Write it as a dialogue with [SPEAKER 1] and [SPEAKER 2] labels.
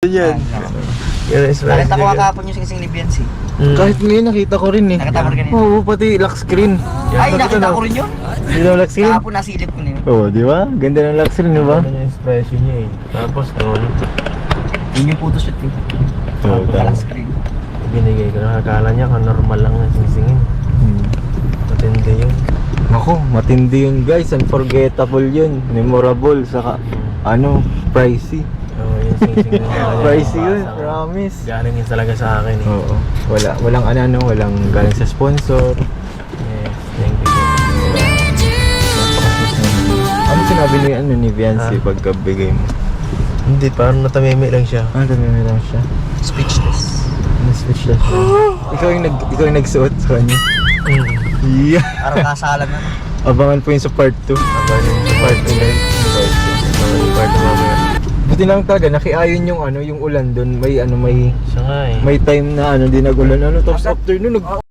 [SPEAKER 1] yan.
[SPEAKER 2] Yung expression
[SPEAKER 3] Nakita ko
[SPEAKER 2] niya.
[SPEAKER 3] kakapon yung sing-sing ni Biancy.
[SPEAKER 1] Kahit ngayon nakita ko rin eh.
[SPEAKER 3] Nakita mo rin kanina?
[SPEAKER 1] Oo, pati lock screen.
[SPEAKER 3] Ay, nakita ko rin yun.
[SPEAKER 1] Hindi na lock screen?
[SPEAKER 3] Kahapon nasilip ko na yun.
[SPEAKER 1] Oo, di ba? Ganda ng lock screen, di ba?
[SPEAKER 2] Ano yung expression niya eh. Tapos noon,
[SPEAKER 3] Yun yung photoshoot ko.
[SPEAKER 1] Oo,
[SPEAKER 3] Parang
[SPEAKER 1] tama.
[SPEAKER 3] screen.
[SPEAKER 2] binigay ko na akala niya normal lang na singsingin. Matindi yun.
[SPEAKER 1] Ako, matindi yun guys. Unforgettable yun. Memorable. Saka, pricey.
[SPEAKER 2] Oo, yung singsing na
[SPEAKER 1] Pricey yun, promise.
[SPEAKER 2] Galing yun talaga sa akin eh.
[SPEAKER 1] Oo. Walang walang galing sa sponsor.
[SPEAKER 2] Yes, thank you.
[SPEAKER 1] Ano sinabi ni Viancy pagkabigay mo?
[SPEAKER 2] Hindi, parang natamimi lang siya.
[SPEAKER 1] Tamimi lang siya.
[SPEAKER 3] Speechless.
[SPEAKER 1] Na-switch lang siya. ikaw yung nagsuot sa kanya. Yeah.
[SPEAKER 3] Parang kasalan na.
[SPEAKER 1] Abangan po yun sa part 2.
[SPEAKER 2] Abangan yun sa part 2 na yun. Abangan yung part 2 mamaya.
[SPEAKER 1] Buti lang talaga, nakiayon yung ulan doon. May
[SPEAKER 2] Siya nga eh.
[SPEAKER 1] may time na di nag-ulan. Tapos after nun,